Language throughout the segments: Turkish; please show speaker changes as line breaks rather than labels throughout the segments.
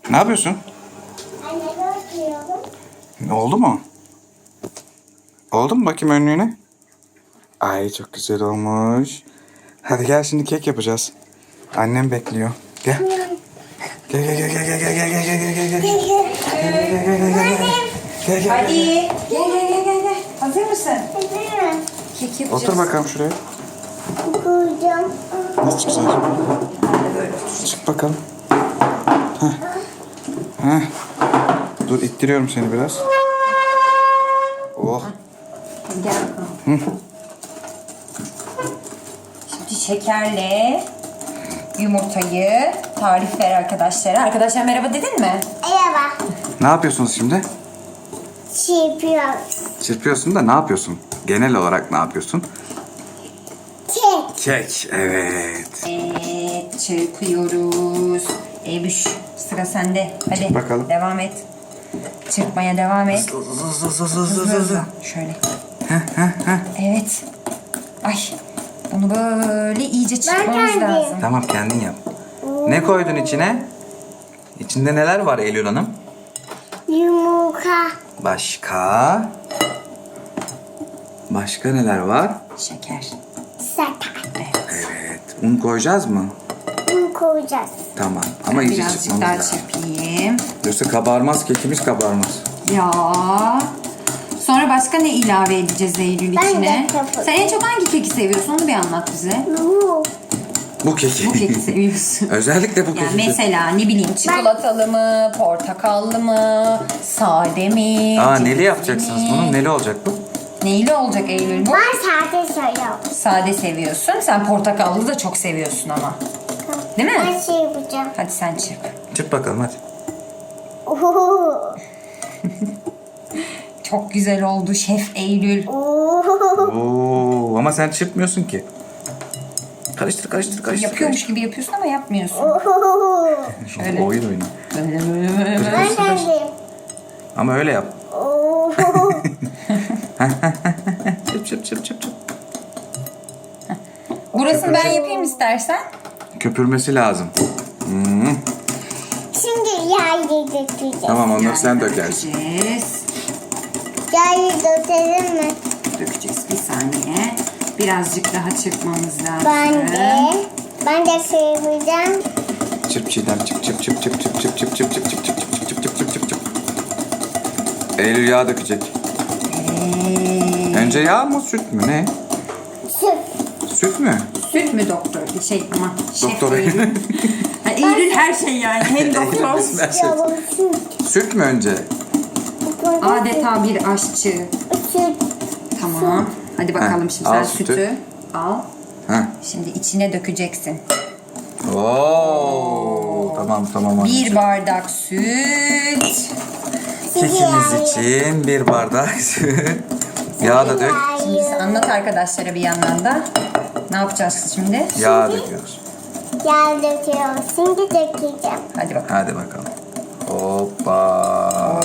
Ne yapıyorsun?
Anne bakıyorum.
Oldu mu? Oldu mu bakayım önlüğüne? Ay çok güzel olmuş. Hadi gel şimdi kek yapacağız. Annem bekliyor. Gel. Gel gel gel gel gel gel gel gel gel gel gel. Gel gel.
Hadi. Gel gel gel gel gel. Hazır mısın?
Hazırım.
Kek yapacağız.
Otur bakalım şuraya.
Koyacağım.
Nasıl güzel. Çık bakalım. Heh. Heh. Dur ittiriyorum seni biraz. Oh.
Gel bakalım. Şimdi şekerle yumurtayı tarif ver arkadaşlara. Arkadaşlar merhaba dedin mi?
Merhaba.
Ne yapıyorsunuz şimdi?
Çırpıyorum.
Çırpıyorsun da ne yapıyorsun? Genel olarak ne yapıyorsun?
Kek.
Kek. Evet.
Evet, çırpıyoruz. Ebüş, sıra sende. Hadi
Çırp bakalım.
devam et. Çırpmaya devam et.
Hızlı.
Şöyle. Evet. Ay, bunu böyle iyice çırpmamız
kendim.
lazım.
Tamam kendin yap. Ne koydun içine? İçinde neler var Eylül Hanım?
Yumurta.
Başka? Başka neler var?
Şeker.
Sakar.
Evet. Un koyacağız mı?
Bunu koyacağız.
Tamam. Ama iyice
Birazcık
çırpmamız
daha
lazım.
çırpayım.
Yoksa kabarmaz, kekimiz kabarmaz.
Ya. Sonra başka ne ilave edeceğiz Eylül
Ben de
içine?
yapayım.
Sen en çok hangi keki seviyorsun? Onu bir anlat bize.
Bu.
Bu keki.
Bu keki seviyorsun.
Özellikle bu
Yani
keki.
mesela ne bileyim çikolatalı mı, portakallı mı, sade mi?
Aa
cevizli
neli yapacaksınız
mi?
bunu? Neli olacak bu?
Neyli olacak Eylül bu?
Ben sade söylüyorum.
Sade seviyorsun. Sen portakallı da çok seviyorsun ama. Değil mi?
Ben şey yapacağım.
Hadi sen çırp.
Çırp bakalım hadi.
Oo.
Çok güzel oldu Şef Eylül.
Oo.
Oo, ama sen çırpmıyorsun ki. Karıştır karıştır karıştır.
Yapıyormuş gibi yapıyorsun ama yapmıyorsun.
karıştır.
Şöyle.
Oyun oyna.
Böyle böyle böyle. böyle.
Ben kendim.
Ama öyle yap.
Oo.
Çırp çırp çırp çırp çırp.
Burasını ben yapayım istersen.
Köpürmesi lazım. Hmm.
Şimdi yağ dökeceğiz.
Tamam onları sen dökersin.
Dökeceğiz.
Yağ dökelim mi?
Dökeceğiz bir saniye. Birazcık daha çırpmamız lazım.
Ben de şey yapacağım.
Çırp Çiğdem çırp çırp çırp çırp çırp çırp çırp çırp çırp çırp çırp çırp çırp çırp çırp çırp. Eylül yağ dökecek. Önce yağ mı süt mü ne?
Süt.
Süt mü?
Süt mü doktor? Şey ama şef
Doktor
Eylül.
Eylül.
Ha, Eylül her şey yani. Hem doktor.
Her şey.
Yavrum süt.
Süt mü önce?
Adeta bir aşçı.
Süt.
Tamam. Hadi bakalım şimdi
al
sen
sütü.
sütü al.
Heh.
Şimdi içine dökeceksin.
Oo, tamam tamam.
Bir bardak süt.
Kekimiz için bir bardak süt. Yağ da dök.
Şimdi sen anlat arkadaşlara bir yandan da. Ne yapacağız şimdi?
Yağ döküyoruz.
Yağ döküyorum. Şimdi dökeceğim.
Hadi bakalım.
Hadi bakalım. Hoppa.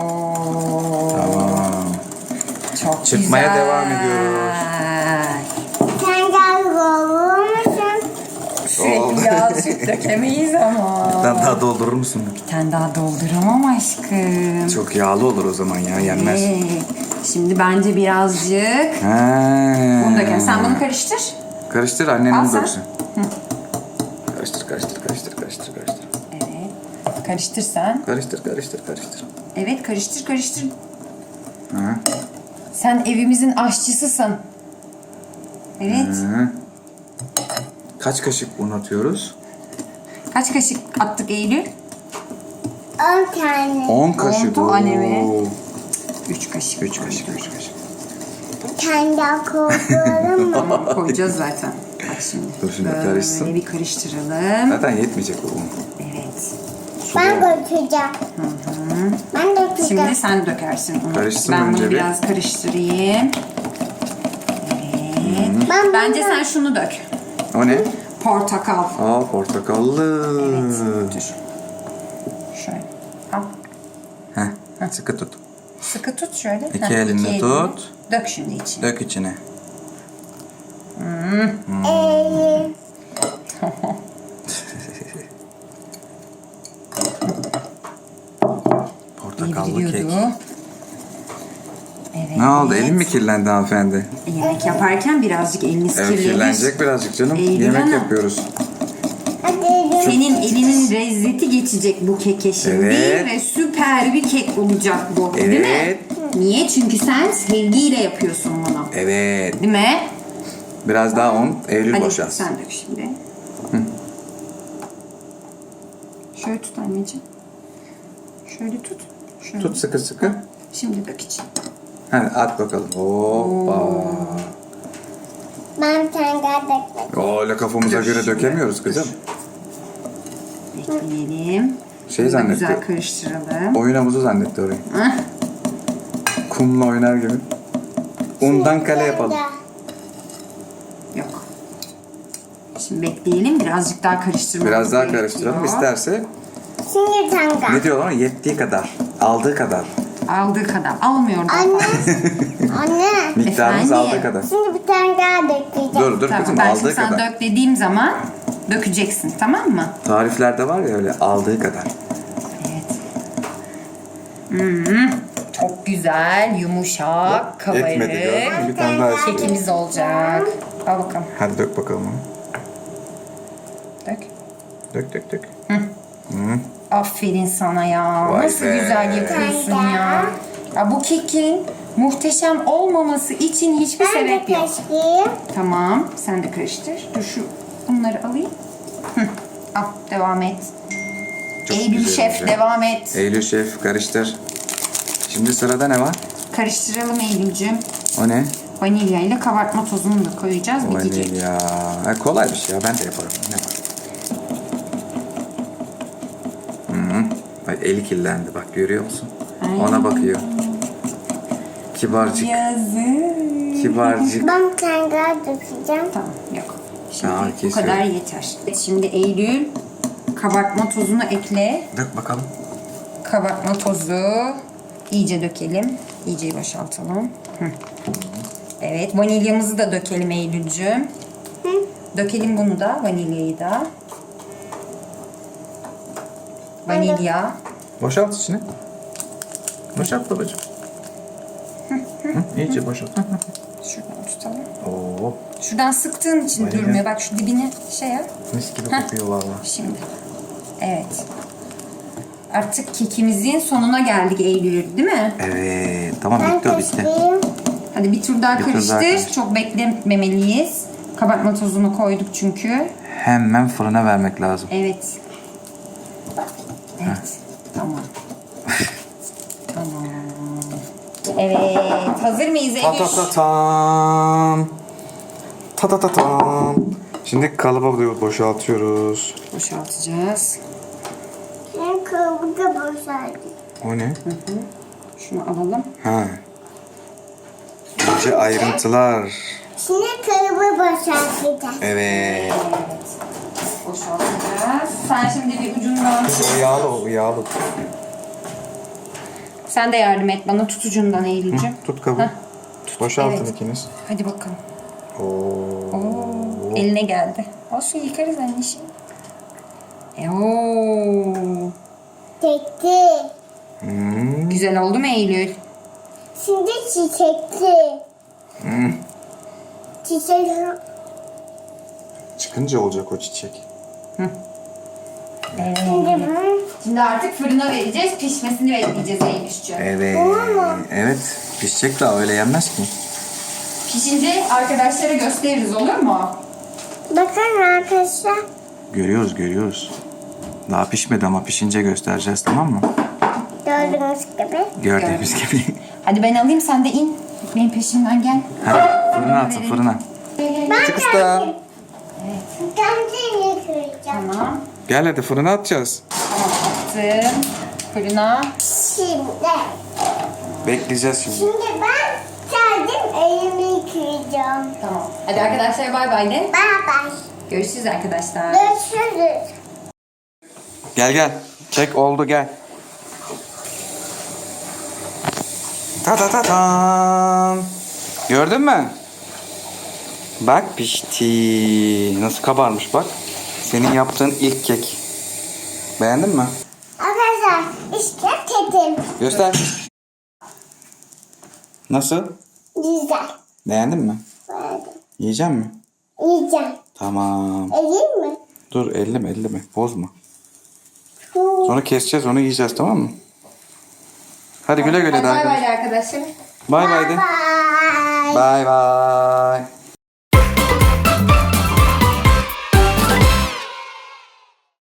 Tamam.
Çok
Çırpmaya
güzel.
devam ediyoruz.
Sen yağ olur musun?
Sürekli yağ süt dökemeyiz ama.
Sen daha doldurur musun?
Bir tane daha dolduramam aşkım.
Çok yağlı olur o zaman ya yenmez.
Şimdi bence birazcık bunu dökelim. Sen bunu karıştır.
Karıştır
Al
annenin
sen.
döksün. Karıştır karıştır karıştır karıştır karıştır.
Evet. Karıştır sen.
Karıştır karıştır karıştır.
Evet karıştır karıştır.
Hı.
Sen evimizin aşçısısın. Evet.
Hı. Kaç kaşık un atıyoruz?
Kaç kaşık attık Eylül?
10 tane.
10 kaşık.
tane mi?
Oo.
3 kaşık.
3 kaşık 3 kaşık.
Bir tane daha koyalım mı?
Tamam koyacağız zaten. Bak şimdi.
Dur şimdi
Böyle
karışsın.
bir karıştıralım.
Zaten yetmeyecek o un.
Evet.
Ben dökeceğim. Ben dökeceğim.
Şimdi sen dökersin onu.
Karışsın
ben
önce
bunu
bir.
biraz karıştırayım. Evet. Bence sen şunu dök.
O ne?
Portakal.
Aa portakallı.
Evet. Dur. Şöyle. Al.
Heh, sıkı tut.
Sıkı tut şöyle.
İki elinle tut.
Dök şimdi içine.
Dök içine.
gidiyordu. Evet.
Ne oldu? Elin mi kirlendi hanımefendi?
Yemek yaparken birazcık eliniz
Evet,
kirlenir.
kirlenecek birazcık canım.
Eylül
Yemek
Hanım.
yapıyoruz.
Hadi.
Senin elinin lezzeti geçecek bu keke şimdi
Evet.
ve süper bir kek olacak bu. Değil mi?
Evet.
Niye? Çünkü sen sevgiyle yapıyorsun bunu.
Evet.
Değil mi?
Biraz daha un. Eylül
Hadi
boşalsın.
sen dök şimdi. Şöyle tut anneciğim. Şöyle tut. Şöyle.
Tut sıkı sıkı.
Şimdi dök için.
Hadi at bakalım. Hoppa.
Ben bir tane daha dökmek.
Öyle kafamıza göre dökemiyoruz kızım.
Bekleyelim.
Şey
Bunu da
zannetti.
güzel karıştıralım.
Oyun havuzu zannetti orayı.
Hah.
Kumla oynar gibi. Undan kale yapalım.
Yok. Şimdi bekleyelim. Birazcık daha karıştırmamız
Biraz daha
gerekiyor.
karıştıralım. İsterse
Şimdi bir tane daha.
ne diyorlar? Yettiği kadar. Aldığı kadar.
Aldığı kadar. Almıyor da.
Anne. Anne.
Miktarımız
Efendim?
aldığı kadar.
Şimdi bir tane daha dökeceğim.
Dur
Tamam,
kızım,
ben
aldığı
şimdi sana
kadar.
dök dediğim zaman dökeceksin, tamam mı?
Tariflerde var ya öyle aldığı kadar.
Evet. Çok güzel, yumuşak,
Etmedi gördün
kabarık
mü? Bir tane daha istiyorum.
kekimiz olacak. Al bakalım.
Hadi dök bakalım onu.
Dök.
Dök.
Aferin sana ya.
Vay
Nasıl
be.
güzel yapıyorsun ya. Ya bu kekin muhteşem olmaması için hiçbir
Ben de
sebep yok.
kaşıyım.
Tamam, sen de karıştır. Dur şu bunları alayım. Al, devam et.
Çok
Eylül
güzel
Şef
olacak.
devam et.
Eylül Şef karıştır. Şimdi sırada ne var?
Karıştıralım Eylül'cüğüm.
O ne?
Vanilya ile kabartma tozunu da koyacağız. Bitecek.
Vanilya. Kolay bir şey ya, ben de yaparım. Ne var? Bak eli kirlendi, bak görüyor musun? Ona bakıyor. Kibarcık.
Yazık.
Kibarcık.
Ben bir tane daha dökeceğim.
Tamam, yok. Şimdi
Tamam,
bu
kesiyorum.
kadar yeter. Şimdi Eylül kabartma tozunu ekle.
Dök bakalım.
Kabartma tozu iyice dökelim. İyice boşaltalım. Hı. Evet, vanilyamızı da dökelim Eylül'cüğüm. Dökelim bunu da, vanilyayı da. Vanilya.
Boşalt içine. Boşalt babacığım. İyice boşalt.
Şuradan tutalım.
Oo,
Şuradan sıktığın için
Vanilya.
durmuyor. Bak şu dibine şey yap.
mis gibi kokuyor valla.
Şimdi. Evet. Artık kekimizin sonuna geldik Eylül, değil mi?
Evet, tamam
Ben
bitti o bitti.
kaşıyım.
Hadi bir tur daha
Bir tur
karıştır.
daha karıştır.
Çok beklememeliyiz. Kabartma tozunu koyduk çünkü.
Hemen fırına vermek lazım.
Evet. Evet. Tamam. Tamam. Evet. Hazır mıyız
Ta
Eylül?
ta ta tam. Ta ta ta tam. Şimdi kalıba boşaltıyoruz.
Boşaltacağız.
Ben kabuğu boşaldım.
O ne?
Şunu alalım.
Ha. İnce ayrıntılar.
Şimdi kabuğu boşaltacağım.
Evet.
Evet. Boşaltacağız. Sen şimdi bir ucundan...
O yağlı, o yağlı.
Sen de yardım et bana tutucundan Eylül'cüğüm.
Tut kabuğu.
Heh.
Boşaltın
Evet.
ikiniz.
Hadi bakalım.
Oo.
Oo, eline geldi. Olsun yıkarız anneciğim. Oo.
Çiçekli.
Güzel oldu mu Eylül?
Şimdi çiçekli. Çiçek.
Çıkınca olacak o çiçek.
Evet.
Şimdi ben
Şimdi artık fırına vereceğiz. Pişmesini bekleyeceğiz Eylül'cüğüm.
Evet. Evet. Pişecek daha, öyle yenmez ki.
Pişince arkadaşlara gösteririz, olur mu?
bakın arkadaşlar.
Görüyoruz. Daha pişmedi ama pişince göstereceğiz, tamam mı?
Gördüğünüz gibi.
Gördüğümüz gibi.
Hadi ben alayım, sen de in. Benim peşimden gel.
Hadi fırına atın, fırına.
Ben
Küçük usta.
kendimi kıracağım.
Tamam.
Gel hadi fırına atacağız.
Attım. Fırına.
Şimdi.
Bekleyeceğiz şimdi.
Şimdi ben kendim elimi kıracağım.
Tamam. Hadi arkadaşlar bay bay de.
Bye bye.
Görüşürüz arkadaşlar.
Görüşürüz.
Gel. Çek oldu, gel. Ta ta ta tam. Gördün mü? Bak pişti. Nasıl kabarmış bak. Senin yaptığın ilk kek. Beğendin mi?
Arkadaşlar işte yedim.
Göster. Nasıl?
Güzel.
Beğendin mi?
Verdim.
Yiyecek mi?
Yiyeceğim.
Tamam.
Yiyeyim mi?
Dur elleme bozma. Sonra keseceğiz onu yiyeceğiz tamam mı? Hadi güle güle de
Bay bay
arkadaşlar.
de arkadaşlar.
Bay bay de.
Bye.
Bay bay.